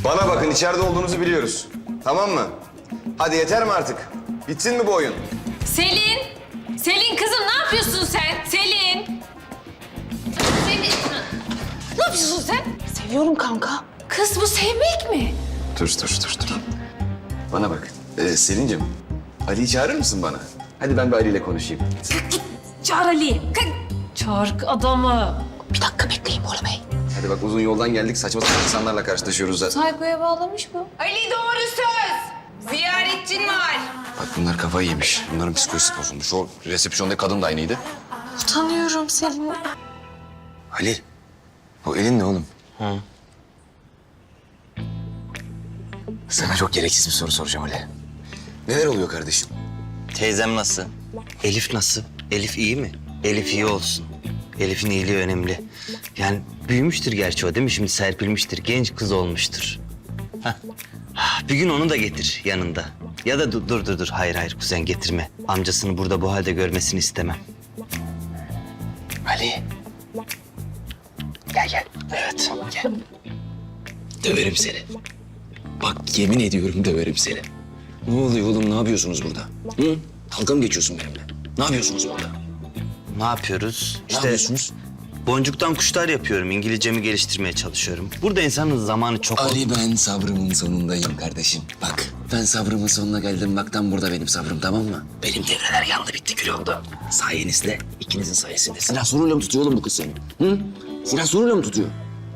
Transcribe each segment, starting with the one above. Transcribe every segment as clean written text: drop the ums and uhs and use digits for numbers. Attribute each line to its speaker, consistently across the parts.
Speaker 1: Bana bakın, içeride olduğunuzu biliyoruz. Tamam mı? Hadi yeter mi artık? Bitsin mi bu oyun?
Speaker 2: Selin! Selin kızım ne yapıyorsun sen? Selin! Selin! Ne yapıyorsun sen?
Speaker 3: Seviyorum kanka.
Speaker 2: Kız bu sevmek mi?
Speaker 1: Dur. Bana bak. Selin'cim, Ali'yi çağırır mısın bana? Hadi ben bir Ali ile konuşayım.
Speaker 2: Git çağır Ali'yi. Çağır adamı.
Speaker 3: Bir dakika bekleyin Bora Bey.
Speaker 1: Hadi bak, uzun yoldan geldik. Saçma sapan insanlarla karşılaşıyoruz zaten.
Speaker 2: Saykoya bağlamış bu.
Speaker 4: Ali doğru söz. Ziyaretçin var.
Speaker 1: Bak bunlar kafayı yemiş. Bunların psikolojisi bozulmuş. O resepsiyondaki kadın da aynıydı.
Speaker 3: Utanıyorum Selin.
Speaker 1: Ali, o elin ne oğlum? Sana çok gereksiz bir soru soracağım Ali. Neler oluyor kardeşim?
Speaker 5: Teyzem nasıl? Elif nasıl? Elif iyi mi? Elif iyi olsun. Elif'in iyiliği önemli. Yani büyümüştür gerçi o değil mi? Şimdi serpilmiştir, genç kız olmuştur. Hah. Bir gün onu da getir yanında. Ya da dur. Hayır kuzen getirme. Amcasını burada bu halde görmesini istemem.
Speaker 1: Ali. Gel. Evet, gel. Döverim seni. Bak yemin ediyorum döverim seni. Ne oluyor oğlum, ne yapıyorsunuz burada? Hı? Dalga mı geçiyorsun benimle? Ne yapıyorsunuz burada?
Speaker 5: Ne yapıyoruz?
Speaker 1: Ne yapıyorsunuz?
Speaker 5: Boncuktan kuşlar yapıyorum. İngilizcemi geliştirmeye çalışıyorum. Burada insanın zamanı çok...
Speaker 1: Ali, ben sabrımın sonundayım kardeşim. Bak, ben sabrımın sonuna geldim. Bak, tam burada benim sabrım, tamam mı? Benim devreler yandı, bitti, kül oldu. Sayenizde, ikinizin sayesinde. Silah soruyla mı tutuyor oğlum bu kız seni? Hı? Silah soruyla mı tutuyor?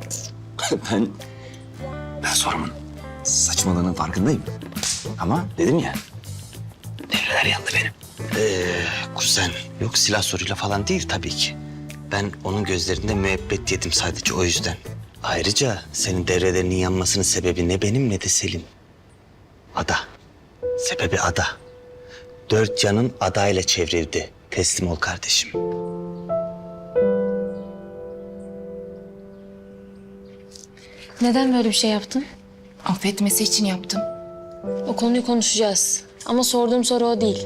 Speaker 1: Ben sorumun saçmalığının farkındayım. Ama dedim ya, devreler yandı benim.
Speaker 5: Kuzen, yok silah soruyla falan değil tabii ki. Ben onun gözlerinde müebbet yedim sadece o yüzden. Ayrıca senin devrelerinin yanmasının sebebi ne benim ne de Selim. Ada. Sebebi Ada. 4 canın Ada ile çevrildi. Teslim ol kardeşim.
Speaker 2: Neden böyle bir şey yaptın?
Speaker 3: Affetmesi için yaptım.
Speaker 2: O konuyu konuşacağız. Ama sorduğum soru o değil.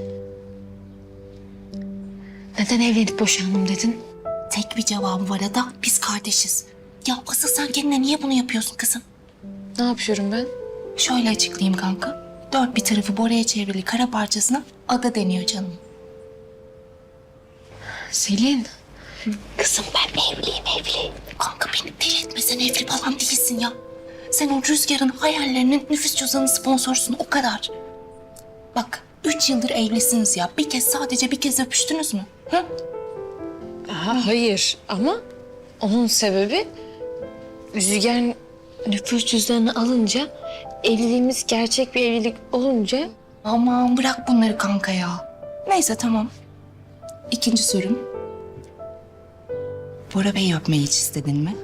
Speaker 2: Neden evlenip boşandım dedin?
Speaker 3: Tek bir cevabı var Ada. Biz kardeşiz. Ya asıl sen kendine niye bunu yapıyorsun kızım?
Speaker 2: Ne yapıyorum ben?
Speaker 3: Şöyle açıklayayım kanka. 4 bir tarafı Bora'ya çevrili kara parçasına Ada deniyor canım.
Speaker 2: Selin.
Speaker 3: Kızım ben evli. Kanka beni deli etme, sen evli falan değilsin ya. Sen o Rüzgar'ın hayallerinin nüfus cüzdanı sponsorsun, o kadar. Bak 3 yıldır evlisiniz ya. Sadece bir kez öpüştünüz mü? Hı?
Speaker 2: Hayır ama onun sebebi Rüzgar nüfus cüzdanını alınca evliliğimiz gerçek bir evlilik olunca
Speaker 3: Aman bırak bunları kanka ya. Neyse tamam. İkinci sorum. Bora Bey'i öpmeyi hiç istedin mi?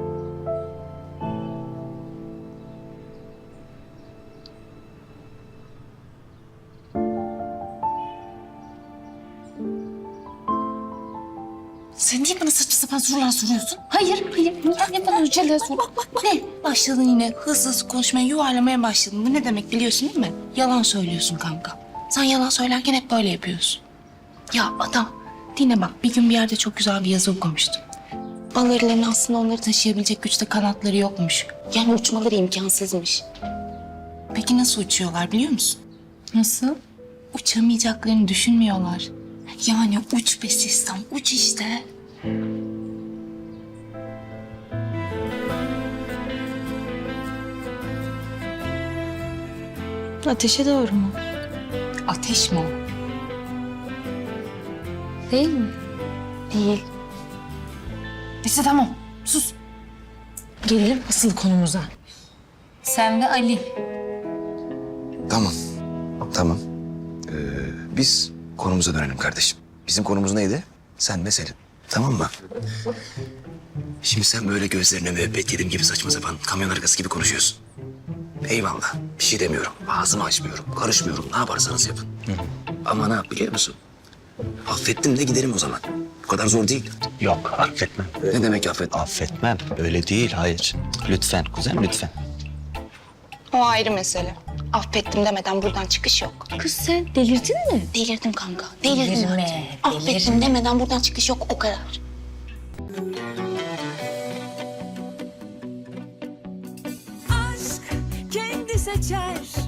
Speaker 3: Sen niye bana saçma sapan sorular soruyorsun? Hayır. Niye bana öyle sor? Bak. Ne? Başladın yine hızlı konuşmaya, yuvarlamaya başladın. Bu ne demek biliyorsun değil mi? Yalan söylüyorsun kanka. Sen yalan söylerken hep böyle yapıyorsun. Ya adam, dinle bak. Bir gün bir yerde çok güzel bir yazı okumuştum. Bal arılarının aslında onları taşıyabilecek güçte kanatları yokmuş. Yani uçmaları imkansızmış. Peki nasıl uçuyorlar biliyor musun?
Speaker 2: nasıl?
Speaker 3: Uçamayacaklarını düşünmüyorlar. Yani uç be sistem, uç işte.
Speaker 2: Ateşe doğru mu?
Speaker 3: Ateş mi o?
Speaker 2: Değil mi? Değil.
Speaker 3: Neyse tamam, sus.
Speaker 2: Gelelim asıl konumuza. Sen ve Ali.
Speaker 1: Tamam. Biz konumuza dönelim kardeşim. Bizim konumuz neydi? Sen ve Selin. Tamam mı? Şimdi sen böyle gözlerine müebbet yedim gibi saçma sapan kamyon arkası gibi konuşuyorsun. Eyvallah. Bir şey demiyorum. Ağzımı açmıyorum. Karışmıyorum. Ne yaparsanız yapın. Ama ne yap biliyor musun? Affettim de gidelim o zaman. Bu kadar zor değil.
Speaker 5: Yok affetmem.
Speaker 1: Ne demek affet?
Speaker 5: Affetmem. Öyle değil hayır. Lütfen kuzen lütfen.
Speaker 3: O ayrı mesele. Affettim demeden buradan çıkış yok.
Speaker 2: Kız sen delirdin mi?
Speaker 3: Delirdim kanka, delirdim
Speaker 2: Delirme,
Speaker 3: artık. Affettim demeden buradan çıkış yok, o kadar.
Speaker 6: aşk seçer